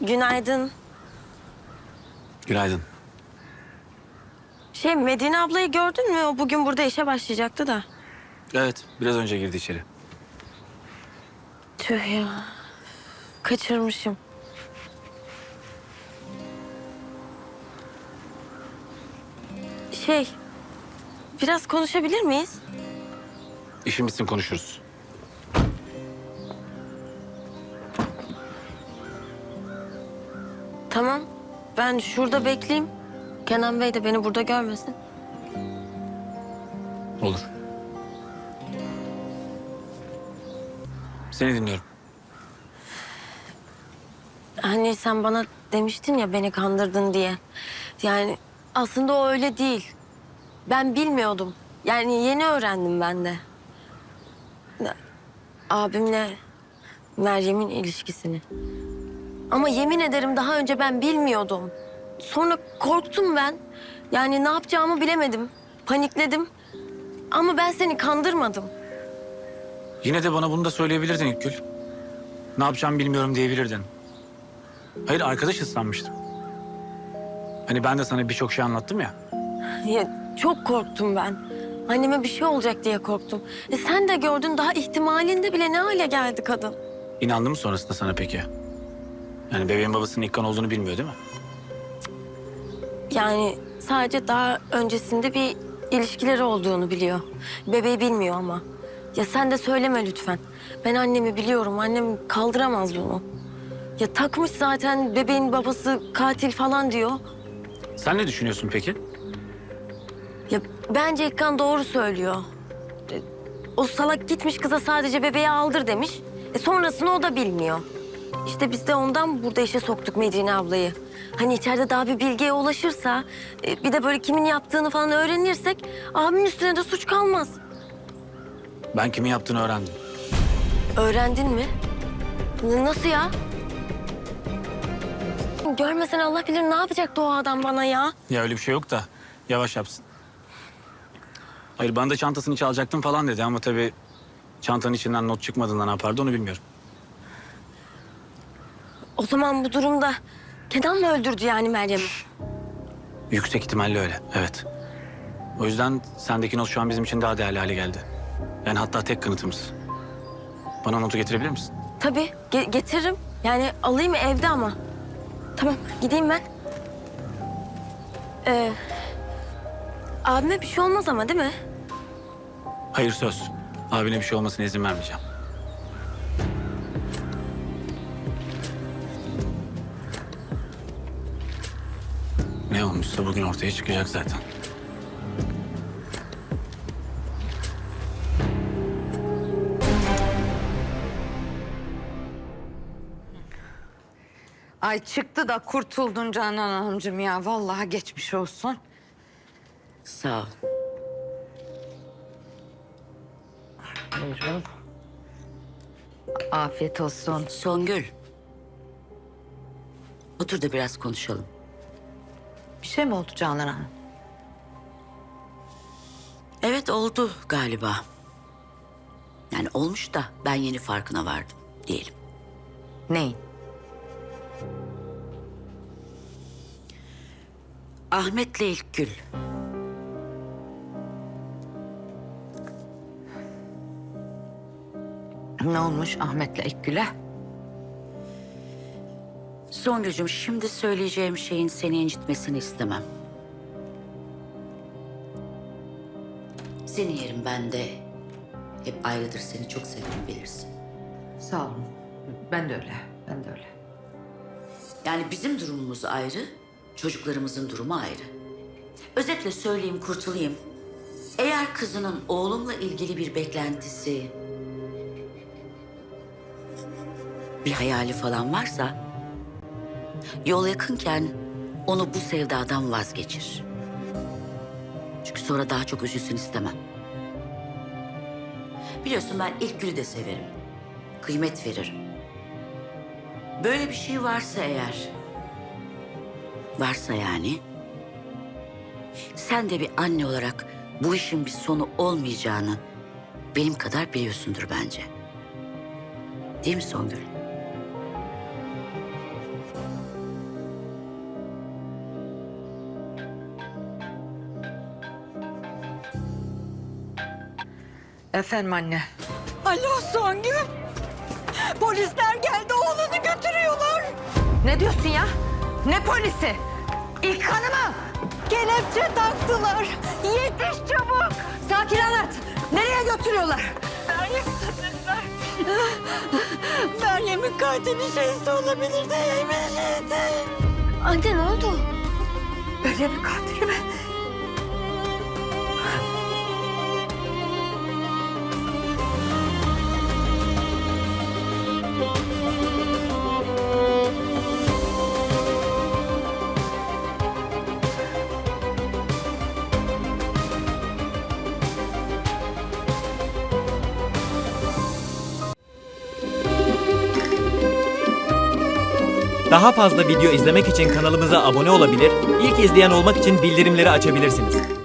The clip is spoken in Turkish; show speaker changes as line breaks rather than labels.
Günaydın.
Günaydın.
Medine ablayı gördün mü? O bugün burada işe başlayacaktı da.
Evet, biraz önce girdi içeri.
Tüh ya. Kaçırmışım. Biraz konuşabilir miyiz?
İşin bitsin konuşuruz.
Tamam. Ben şurada bekleyeyim. Kenan Bey de beni burada görmesin.
Olur. Seni dinliyorum.
Hani sen bana demiştin ya beni kandırdın diye. Yani aslında o öyle değil. Ben bilmiyordum. Yani yeni öğrendim ben de. Abimle Meryem'in ilişkisini. Ama yemin ederim daha önce ben bilmiyordum. Sonra korktum ben. Yani ne yapacağımı bilemedim. Panikledim. Ama ben seni kandırmadım.
Yine de bana bunu da söyleyebilirdin İlkgül. Ne yapacağımı bilmiyorum diyebilirdin. Hayır, arkadaşız sanmıştım. Hani ben de sana birçok şey anlattım ya.
Ya çok korktum ben. Anneme bir şey olacak diye korktum. Sen de gördün, daha ihtimalinde bile ne hale geldi kadın.
İnandı mı sonrasında sana peki? Yani bebeğin babasının İlkan olduğunu bilmiyor değil mi?
Yani sadece daha öncesinde bir ilişkileri olduğunu biliyor. Bebeği bilmiyor ama. Ya sen de söyleme lütfen. Ben annemi biliyorum. Annem kaldıramaz bunu. Ya takmış zaten bebeğin babası katil falan diyor.
Sen ne düşünüyorsun peki?
Ya bence İlkan doğru söylüyor. O salak gitmiş kıza sadece bebeği aldır demiş. Sonrasını o da bilmiyor. İşte biz de ondan burada işe soktuk Medine ablayı. Hani içeride daha bir bilgiye ulaşırsa, bir de böyle kimin yaptığını falan öğrenirsek abimin üstüne de suç kalmaz.
Ben kimin yaptığını öğrendim.
Öğrendin mi? Nasıl ya? Görmesen Allah bilir ne yapacaktı o adam bana ya.
Ya öyle bir şey yok da yavaş yapsın. Hayır, bana da çantasını çalacaktım falan dedi ama tabii çantanın içinden not çıkmadığında ne yapardı onu bilmiyorum.
O zaman bu durumda Kenan mı öldürdü yani Meryem'i?
Yüksek ihtimalle öyle, evet. O yüzden sendeki not şu an bizim için daha değerli hale geldi. Yani hatta tek kanıtımız. Bana notu getirebilir misin?
Tabii getiririm. Yani alayım evde ama. Tamam gideyim ben. Abime bir şey olmaz ama değil mi?
Hayır, söz. Abine bir şey olmasına izin vermeyeceğim. Ne olmuşsa bugün ortaya çıkacak zaten.
Ay çıktı da kurtuldun Canan Hanımcığım ya. Vallahi geçmiş olsun.
Sağ ol.
Buyurun. Afiyet olsun.
Songül. Otur da biraz konuşalım.
Bir şey mi oldu Canan Hanım?
Evet, oldu galiba. Yani olmuş da ben yeni farkına vardım diyelim.
Neyin?
Ahmet'le İlkgül.
Ne olmuş Ahmet'le İlkgül'e?
Songül'cüğüm, şimdi söyleyeceğim şeyin seni incitmesini istemem. Senin yerin bende. Hep ayrıdır, seni çok sevdim bilirsin.
Sağ olun. Ben de öyle. Ben de öyle.
Yani bizim durumumuz ayrı, çocuklarımızın durumu ayrı. Özetle söyleyeyim, kurtulayım. Eğer kızının oğlumla ilgili bir beklentisi, bir hayali falan varsa, yol yakınken onu bu sevdadan vazgeçir. Çünkü sonra daha çok üzülsün istemem. Biliyorsun ben İlkgül'ü de severim. Kıymet veririm. Böyle bir şey varsa eğer, varsa yani, sen de bir anne olarak bu işin bir sonu olmayacağını benim kadar biliyorsundur bence. Değil mi Songül?
Efendim anne.
Alo Songül. Polisler geldi, oğlunu götürüyorlar.
Ne diyorsun ya? Ne polisi? İlk hanımı.
Kelepçe taktılar. Yetiş çabuk.
Sakin anlat. Nereye götürüyorlar?
Meryem'in katili şeysi olabilir de yemin.
Anne ne oldu?
Meryem'in katili mi?
Daha fazla video izlemek için kanalımıza abone olabilir, ilk izleyen olmak için bildirimleri açabilirsiniz.